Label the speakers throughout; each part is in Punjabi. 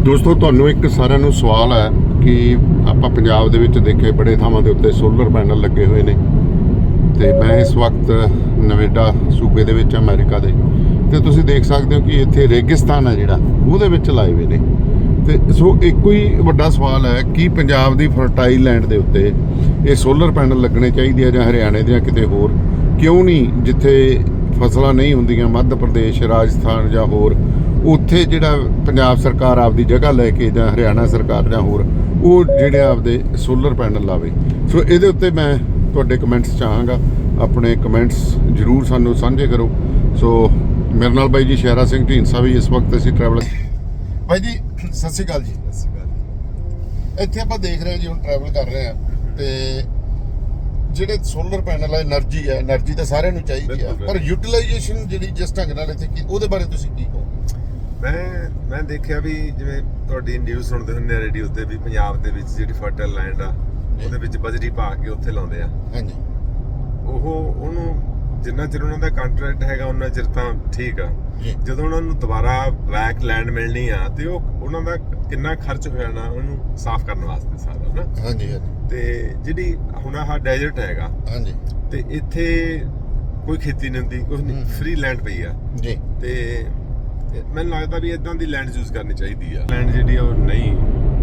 Speaker 1: ਦੋਸਤੋ ਤੁਹਾਨੂੰ ਇੱਕ ਸਾਰਿਆਂ ਨੂੰ ਸਵਾਲ ਹੈ ਕਿ ਆਪਾਂ ਪੰਜਾਬ ਦੇ ਵਿੱਚ ਦੇਖੇ ਬੜੇ ਥਾਵਾਂ ਦੇ ਉੱਤੇ ਸੋਲਰ ਪੈਨਲ ਲੱਗੇ ਹੋਏ ਨੇ ਤੇ ਮੈਂ ਇਸ ਵਕਤ ਨਵੇਡਾ ਸੂਬੇ ਦੇ ਵਿੱਚ ਅਮਰੀਕਾ ਦੇ ਤੇ ਤੁਸੀਂ ਦੇਖ ਸਕਦੇ ਹੋ ਕਿ ਇੱਥੇ ਰੇਗਿਸਤਾਨ ਹੈ ਜਿਹੜਾ ਉਹਦੇ ਵਿੱਚ ਲਾਏ ਹੋਏ ਨੇ ਤੇ ਸੋ ਇੱਕੋ ਹੀ ਵੱਡਾ ਸਵਾਲ ਹੈ ਕਿ ਪੰਜਾਬ ਦੀ ਫਰਟਾਈਲ ਲੈਂਡ ਦੇ ਉੱਤੇ ਇਹ ਸੋਲਰ ਪੈਨਲ ਲੱਗਣੇ ਚਾਹੀਦੇ ਆ ਜਾਂ ਹਰਿਆਣੇ ਦੇ ਜਾਂ ਕਿਤੇ ਹੋਰ ਕਿਉਂ ਨਹੀਂ ਜਿੱਥੇ ਫਸਲਾਂ ਨਹੀਂ ਹੁੰਦੀਆਂ ਮੱਧ ਪ੍ਰਦੇਸ਼ ਰਾਜਸਥਾਨ ਜਾਂ ਹੋਰ ਉੱਥੇ ਜਿਹੜਾ ਪੰਜਾਬ ਸਰਕਾਰ ਆਪਦੀ ਜਗ੍ਹਾ ਲੈ ਕੇ ਜਾਂ ਹਰਿਆਣਾ ਸਰਕਾਰ ਜਾਂ ਹੋਰ ਉਹ ਜਿਹੜੇ ਆਪਦੇ ਸੋਲਰ ਪੈਨਲ ਲਾਵੇ। ਸੋ ਇਹਦੇ ਉੱਤੇ ਮੈਂ ਤੁਹਾਡੇ ਕਮੈਂਟਸ ਚਾਹਾਂਗਾ, ਆਪਣੇ ਕਮੈਂਟਸ ਜ਼ਰੂਰ ਸਾਨੂੰ ਸਾਂਝੇ ਕਰੋ। ਸੋ ਮੇਰੇ ਨਾਲ ਬਾਈ ਜੀ ਸ਼ਹਿਰਾ ਸਿੰਘ ਢੀਂਡਸਾ ਵੀ ਇਸ ਵਕਤ ਅਸੀਂ ਟਰੈਵਲ ਬਾਈ ਜੀ ਸਤਿ ਸ਼੍ਰੀ ਅਕਾਲ ਜੀ।
Speaker 2: ਸਤਿ ਸ਼੍ਰੀ ਅਕਾਲ।
Speaker 1: ਇੱਥੇ ਆਪਾਂ ਦੇਖ ਰਹੇ ਹਾਂ ਜੀ ਹੁਣ ਟਰੈਵਲ ਕਰ ਰਹੇ ਹਾਂ ਤੇ ਜਿਹੜੇ ਸੋਲਰ ਪੈਨਲ ਹੈ એનર્ਜੀ ਤਾਂ ਸਾਰਿਆਂ ਨੂੰ ਚਾਹੀਦੀ ਆ ਪਰ ਯੂਟਿਲਾਈਜੇਸ਼ਨ ਜਿਹੜੀ ਜਿਸ ਢੰਗ ਨਾਲ ਇੱਥੇ ਉਹਦੇ ਬਾਰੇ ਤੁਸੀਂ ਕੀ ਕਹੋ?
Speaker 2: ਮੈਂ ਦੇਖਿਆ ਵੀ ਜਿਵੇਂ ਤੁਹਾਡੀ ਨਿਊਜ਼ ਸੁਣਦੇ ਹੁੰਦੇ ਆ ਰੇਡੀਓ ਤੇ ਵੀ ਪੰਜਾਬ ਦੇ ਵਿੱਚ ਜਿਹੜੀ ਫਰਟਾਈਲ ਲੈਂਡ ਆ ਉਹਦੇ ਵਿੱਚ ਬਜਰੀ ਪਾ ਕੇ ਉੱਥੇ ਲਾਉਂਦੇ ਆ।
Speaker 1: ਹਾਂਜੀ
Speaker 2: ਉਹਨੂੰ ਜਿੰਨਾ ਚਿਰ ਉਹਨਾਂ ਦਾ ਕੰਟਰੈਕਟ ਹੈਗਾ ਉਹਨਾਂ ਚਿਰ ਤਾਂ ਠੀਕ ਆ। ਜਦੋਂ ਉਹਨਾਂ ਨੂੰ ਦੁਬਾਰਾ ਬੈਕ ਲੈਂਡ ਮਿਲਣੀ ਆ ਤੇ ਉਹਨਾਂ ਦਾ ਕਿੰਨਾ ਖਰਚ ਹੋ ਜਾਣਾ ਉਹਨੂੰ ਸਾਫ਼ ਕਰਨ ਵਾਸਤੇ ਸਾਰਾ ਨਾ।
Speaker 1: ਹਾਂਜੀ
Speaker 2: ਤੇ ਜਿਹੜੀ ਹੁਣ ਆਹ ਡੈਜ਼ਰਟ ਹੈਗਾ
Speaker 1: ਹਾਂਜੀ
Speaker 2: ਤੇ ਇੱਥੇ ਕੋਈ ਖੇਤੀ ਨਹੀਂ ਹੁੰਦੀ, ਕੁਝ ਨਹੀਂ, ਫ੍ਰੀ ਲੈਂਡ ਪਈ ਆ
Speaker 1: ਜੀ
Speaker 2: ਤੇ ਮੈਨੂੰ ਲੱਗਦਾ ਵੀ ਇਦਾਂ ਦੀ ਲੈਂਡ ਯੂਜ਼ ਕਰਨੀ ਚਾਹੀਦੀ ਆ। ਲੈਂਡ ਜਿਹੜੀ ਆ ਉਹ ਨਹੀਂ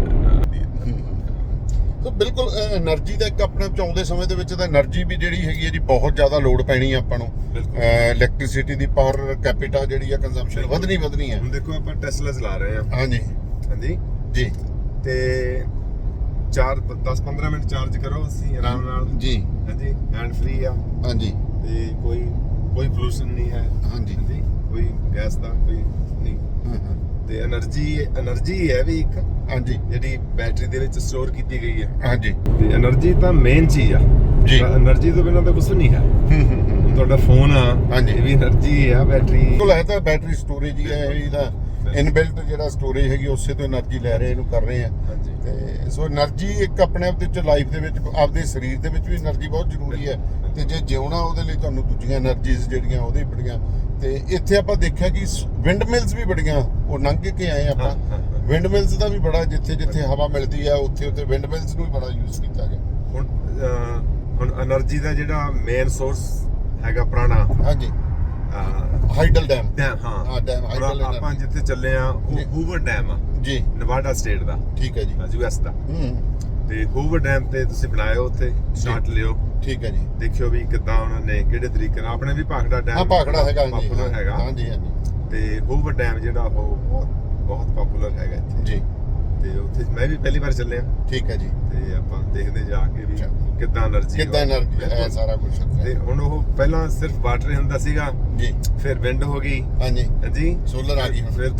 Speaker 1: ਤਾਂ ਬਿਲਕੁਲ એનર્ਜੀ ਦਾ ਇੱਕ ਆਪਣੇ ਚਾਹੁੰਦੇ ਸਮੇਂ ਦੇ ਵਿੱਚ ਤਾਂ એનર્ਜੀ ਵੀ ਜਿਹੜੀ ਹੈਗੀ ਹੈ ਜੀ ਬਹੁਤ ਜ਼ਿਆਦਾ ਲੋਡ ਪੈਣੀ ਆ ਆਪਾਂ ਨੂੰ। ਇਲੈਕਟ੍ਰਿਸਿਟੀ ਦੀ ਪਾਵਰ ਕੈਪੀਟਾ ਜਿਹੜੀ ਆ ਕੰਜ਼ੰਪਸ਼ਨ ਵਧਣੀ ਹੈ।
Speaker 2: ਹੁਣ ਦੇਖੋ ਆਪਾਂ ਟੈਸਲਾ ਚਲਾ ਰਹੇ ਆ।
Speaker 1: ਹਾਂਜੀ
Speaker 2: ਹਾਂਜੀ
Speaker 1: ਜੀ
Speaker 2: ਤੇ 10-15 ਮਿੰਟ ਚਾਰਜ ਕਰੋ ਅਸੀਂ ਆਰਾਮ ਨਾਲ
Speaker 1: ਜੀ।
Speaker 2: ਹਾਂਜੀ ਹੈਂਡ ਫ੍ਰੀ ਆ।
Speaker 1: ਹਾਂਜੀ
Speaker 2: ਤੇ ਕੋਈ ਪੋਲੂਸ਼ਨ ਨਹੀਂ ਹੈ।
Speaker 1: ਹਾਂਜੀ
Speaker 2: ਹਾਂਜੀ ਕੋਈ ਗੈਸ ਦਾ ਕੋਈ ਨਹੀਂ ਤੇ એનર્ਜੀ ਹੈ ਵੀ ਇੱਕ
Speaker 1: ਹਾਂਜੀ
Speaker 2: ਜਿਹੜੀ ਬੈਟਰੀ ਦੇ ਵਿੱਚ ਸਟੋਰ ਕੀਤੀ ਗਈ ਹੈ।
Speaker 1: ਹਾਂਜੀ
Speaker 2: ਤੇ એનર્ਜੀ ਤਾਂ ਮੇਨ ਚੀਜ਼ ਆ
Speaker 1: ਜੀ।
Speaker 2: એનર્ਜੀ ਤੋਂ ਬਿਨਾਂ ਤਾਂ ਕੁਝ ਨਹੀਂ ਹੈ। ਹੁਣ ਤੁਹਾਡਾ ਫੋਨ ਆ
Speaker 1: ਹਾਂਜੀ
Speaker 2: ਇਹ ਵੀ એનર્ਜੀ ਆ। ਬੈਟਰੀ
Speaker 1: ਕੋਲ ਹੈ ਤਾਂ ਬੈਟਰੀ ਸਟੋਰੇਜ ਹੀ ਹੈ ਇਹਦਾ ਇਨਬਿਲਟ ਜਿਹੜਾ ਸਟੋਰੇਜ ਹੈਗੀ ਉਸੇ ਤੋਂ એનર્ਜੀ ਲੈ ਰਹੇ ਇਹਨੂੰ ਕਰ ਰਹੇ ਆ।
Speaker 2: ਹਾਂਜੀ
Speaker 1: ਤੇ ਸੋ એનર્ਜੀ ਇੱਕ ਆਪਣੇ ਆਪ ਦੇ ਵਿੱਚ ਲਾਈਫ ਦੇ ਵਿੱਚ ਆਪਦੇ ਸਰੀਰ ਦੇ ਵਿੱਚ ਵੀ એનર્ਜੀ ਬਹੁਤ ਜ਼ਰੂਰੀ ਹੈ ਤੇ ਜੇ ਜਿਉਣਾ ਉਹਦੇ ਲਈ ਤੁਹਾਨੂੰ ਦੂਜੀਆਂ એનર્ਜੀਜ਼ ਜਿਹੜੀਆਂ ਉਹਦੇ ਬੜੀਆਂ ਤੇ ਇੱਥੇ ਆਪਾਂ ਦੇਖਿਆ ਕਿ ਵਿੰਡ ਮਿਲਸ ਵੀ ਬੜੀਆਂ ਉਹ ਲੰਘ ਕੇ ਆਏ ਆਪਾਂ। ਵਿੰਡ ਮਿਲਸ ਦਾ ਵੀ ਬੜਾ ਜਿੱਥੇ ਹਵਾ ਮਿਲਦੀ ਆ ਉੱਥੇ ਵਿੰਡ ਮਿਲਸ ਨੂੰ ਵੀ ਬੜਾ ਯੂਜ਼ ਕੀਤਾ ਗਿਆ।
Speaker 2: ਹੁਣ એનર્ਜੀ ਦਾ ਜਿਹੜਾ ਮੇਨ ਸੋਰਸ ਹੈਗਾ ਪੁਰਾਣਾ
Speaker 1: ਹਾਂਜੀ ਹਾਈਡਲ ਡੈਮ
Speaker 2: ਹਾਂ
Speaker 1: ਡੈਮ ਹਾਈਡਲ
Speaker 2: ਆਪਾਂ ਜਿੱਥੇ ਚੱਲੇ ਆ ਉਹ ਹੂਵਰ ਡੈਮ ਆ
Speaker 1: ਜੀ
Speaker 2: ਨਵਾਡਾ ਸਟੇਟ ਦਾ।
Speaker 1: ਠੀਕ ਹੈ ਜੀ
Speaker 2: ਯੂਐਸ ਦਾ। ਤੇ ਹੂਵਰ ਡੈਮ ਤੇ ਤੁਸੀਂ ਬਣਾਇਓ ਉੱਥੇ ਸ਼ਾਟ ਲਿਓ। ਠੀਕ
Speaker 1: ਹੈ ਜੀ।
Speaker 2: ਦੇਖਿਓ ਵੀ ਕਿੱਦਾਂ ਉਹਨਾਂ ਨੇ ਕਿਹੜੇ ਤਰੀਕੇ ਨਾਲ ਆਪਣੇ ਵੀ ਭਾਖੜਾ ਡੈਮ
Speaker 1: ਹਾਂ ਭਾਖੜਾ ਹੈਗਾ ਜੀ
Speaker 2: ਪਪੂਲਰ ਹੈਗਾ।
Speaker 1: ਹਾਂਜੀ
Speaker 2: ਤੇ ਹੂਵਰ ਡੈਮ ਜਿਹੜਾ ਉਹ ਬਹੁਤ ਪਪੂਲਰ ਹੈਗਾ ਇੱਥੇ
Speaker 1: ਜੀ।
Speaker 2: ਤੇ ਉੱਥੇ ਮੈਂ ਵੀ ਪਹਿਲੀ ਵਾਰ ਚੱਲਿਆ।
Speaker 1: ਠੀਕ ਹੈ ਜੀ।
Speaker 2: ਤੇ ਆਪਾਂ ਦੇਖਦੇ ਜਾ ਕੇ ਵੀ ਕਿੱਦਾਂ એનર્ਜੀ
Speaker 1: ਹੈ ਸਾਰਾ ਕੁਝ।
Speaker 2: ਤੇ ਹੁਣ ਉਹ ਪਹਿਲਾਂ ਸਿਰਫ ਵਾਟਰ ਹੁੰਦਾ ਸੀਗਾ ਜੀ, ਫਿਰ ਵਿੰਡ ਹੋ ਗਈ।
Speaker 1: ਹਾਂਜੀ
Speaker 2: ਹਾਂਜੀ
Speaker 1: ਸੋਲਰ ਆ ਗਈ।
Speaker 2: ਫਿਰ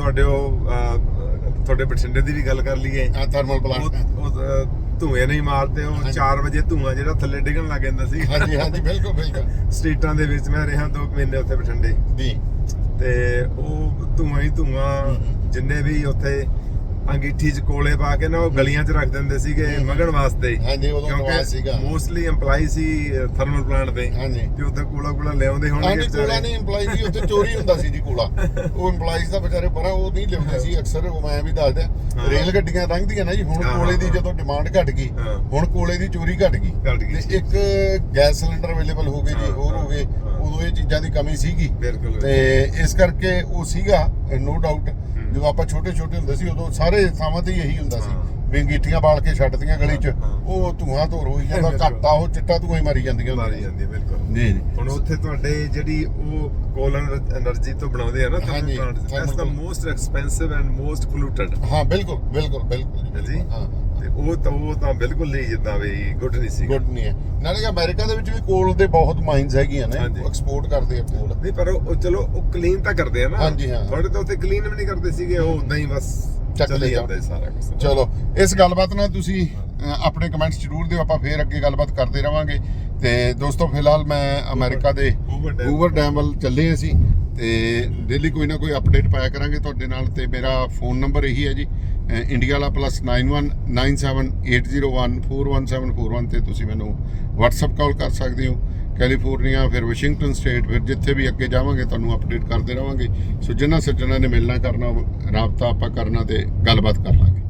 Speaker 2: ਤੁਹਾਡੇ ਬਠਿੰਡੇ ਦੀ ਵੀ ਗੱਲ ਕਰ ਲਈਏ।
Speaker 1: ਥਰਮਲ ਪਲਾਂਟ
Speaker 2: ਧੂਏ ਨਹੀਂ ਮਾਰਦੇ ਉਹ 4 ਵਜੇ ਧੂਆਂ ਜਿਹੜਾ ਥੱਲੇ ਡਿੱਗਣ ਲੱਗ ਜਾਂਦਾ ਸੀ।
Speaker 1: ਹਾਂਜੀ ਬਿਲਕੁਲ
Speaker 2: ਸਟਰੀਟਾਂ ਦੇ ਵਿੱਚ ਮੈਂ ਰਿਹਾ 2 ਮਹੀਨੇ ਉੱਥੇ ਬਠਿੰਡੇ
Speaker 1: ਜੀ।
Speaker 2: ਤੇ ਉਹ ਧੂਆਂ ਹੀ ਧੂਆਂ ਜਿੰਨੇ ਵੀ ਉੱਥੇ ਅੰਗੀਠੀ 'ਚ ਕੋਲੇ ਪਾ ਕੇ ਨਾ ਉਹ ਗਲੀਆਂ 'ਚ ਰੱਖ ਦਿੰਦੇ ਸੀਗੇ ਮਗਣ ਵਾਸਤੇ।
Speaker 1: ਹਾਂਜੀ ਉਦੋਂ ਨਵਾਜ਼ ਸੀਗਾ।
Speaker 2: ਮੋਸਟਲੀ EMPLOYE ਸੀ ਥਰਮਲ ਪਲਾਂਟ ਦੇ।
Speaker 1: ਹਾਂਜੀ ਤੇ
Speaker 2: ਉੱਥੇ ਕੋਲਾ ਲਿਆਉਂਦੇ ਹੋਣਗੇ।
Speaker 1: ਹਾਂਜੀ ਕੋਲਾ ਨਹੀਂ EMPLOYE ਦੀ ਉੱਥੇ ਚੋਰੀ ਹੁੰਦਾ ਸੀ ਜੀ ਕੋਲਾ। ਉਹ EMPLOYES ਦਾ ਵਿਚਾਰੇ ਪਰਾਂ ਉਹ ਨਹੀਂ ਲਿਆਉਂਦੇ ਸੀ ਅਕਸਰ। ਉਹ ਮੈਂ ਵੀ ਦੱਸਦਾ ਰੇਲ ਗੱਡੀਆਂ ਲੰਘਦੀਆਂ ਨਾ ਜੀ ਹੁਣ ਕੋਲੇ ਦੀ ਜਦੋਂ ਡਿਮਾਂਡ ਘਟ ਗਈ ਹੁਣ ਕੋਲੇ ਦੀ ਚੋਰੀ ਘਟ ਗਈ ਤੇ ਇੱਕ ਗੈਸ ਸਿਲੰਡਰ ਅਵੇਲੇਬਲ ਹੋ ਗਏ ਜੀ ਹੋਰ ਹੋ ਗਏ। ਉਦੋਂ ਇਹ ਚੀਜ਼ਾਂ ਦੀ ਕਮੀ ਸੀਗੀ ਤੇ ਇਸ ਕਰਕੇ ਉਹ ਸੀਗਾ ਨੋ ਡਾਊਟ। ਜਦੋਂ ਆਪਾਂ ਛੋਟੇ ਹੁੰਦੇ ਸੀ ਉਦੋਂ ਸਾਰੇ ਥਾਵਾਂ ਤੇ ਇਹੀ ਹੁੰਦਾ ਸੀ ਵੀ ਅੰਗੀਠੀਆਂ ਬਾਲ ਕੇ ਛੱਡਦੀਆਂ ਗਲੀ 'ਚ ਉਹ ਧੂਆਂ ਧੋਰ ਹੋਈ ਜਾਂਦਾ ਘੱਟ ਆ ਉਹ ਚਿੱਟਾ ਧੂਆਂ ਹੀ ਮਾਰੀ ਜਾਂਦੀਆਂ
Speaker 2: ਬਿਲਕੁਲ
Speaker 1: ਜੀ।
Speaker 2: ਹੁਣ ਉੱਥੇ ਤੁਹਾਡੇ ਜਿਹੜੀ ਉਹ ਕੋਲ એનર્ਜੀ ਤੋਂ ਬਣਾਉਂਦੇ ਆ ਨਾ thermal plant that's the most expensive and most polluted.
Speaker 1: ਹਾਂ ਬਿਲਕੁਲ
Speaker 2: ਜੀ। ਹਾਂ ਤੇ ਉਹ ਤਾਂ ਬਿਲਕੁਲ ਨਹੀਂ ਜਿੱਦਾਂ ਵੀ ਗੁੱਡ ਨਹੀਂ ਸੀ।
Speaker 1: ਗੁੱਡ ਨਹੀਂ ਹੈ। ਨਾਲੇ ਅਮਰੀਕਾ ਦੇ ਵਿੱਚ ਵੀ ਕੋਲ ਦੇ ਬਹੁਤ ਮਾਈਨਸ ਹੈਗੀਆਂ ਨੇ ਐਕਸਪੋਰਟ ਕਰਦੇ ਆ ਕੋਲ।
Speaker 2: ਨਹੀਂ ਪਰ ਉਹ ਚਲੋ ਉਹ ਕਲੀਨ ਤਾਂ ਕਰਦੇ ਆ ਨਾ।
Speaker 1: ਹਾਂਜੀ ਹਾਂ
Speaker 2: ਤੁਹਾਡੇ ਤਾਂ ਉੱਥੇ ਕਲੀਨ ਵੀ ਨਹੀਂ ਕਰਦੇ ਸੀਗੇ ਉਹ ਉਦਾਂ ਹੀ ਬਸ ਚੱਲੀ ਜਾਂਦਾ ਸਾਰਾ ਕੁਝ।
Speaker 1: ਚਲੋ ਇਸ ਗੱਲਬਾਤ ਨਾਲ ਤੁਸੀਂ ਆਪਣੇ ਕਮੈਂਟਸ ਜ਼ਰੂਰ ਦਿਓ। ਆਪਾਂ ਫੇਰ ਅੱਗੇ ਗੱਲਬਾਤ ਕਰਦੇ ਰਵਾਂਗੇ। ਤੇ ਦੋਸਤੋ ਫਿਲਹਾਲ ਮੈਂ ਅਮਰੀਕਾ ਦੇ ਹੂਵਰ ਡੈਮ ਵੱਲ ਚੱਲੇ ਅਸੀਂ ਤੇ ਡੇਲੀ ਕੋਈ ਨਾ ਕੋਈ ਅਪਡੇਟ ਪਾਇਆ ਕਰਾਂਗੇ ਤੁਹਾਡੇ ਨਾਲ। ਤੇ ਮੇਰਾ ਫੋਨ ਨੰਬਰ ਇਹੀ ਹੈ ਜੀ ਇੰਡੀਆ ਵਾਲਾ +91 97 801 41741 ਤੇ ਤੁਸੀਂ ਮੈਨੂੰ WhatsApp ਕਾਲ ਕਰ ਸਕਦੇ ਹੋ। ਕੈਲੀਫੋਰਨੀਆ, ਫਿਰ ਵਾਸ਼ਿੰਗਟਨ ਸਟੇਟ, ਫਿਰ ਜਿੱਥੇ ਵੀ ਅੱਗੇ ਜਾਵਾਂਗੇ ਤੁਹਾਨੂੰ ਅਪਡੇਟ ਕਰਦੇ ਰਹਾਂਗੇ। ਸੋ ਜਿਨ੍ਹਾਂ ਸੱਜਣਾਂ ਨੇ ਮਿਲਣਾ ਕਰਨਾ ਰਾਬਤਾ ਆਪਾਂ ਕਰਨਾ ਤੇ ਗੱਲਬਾਤ ਕਰ ਲਾਂਗੇ।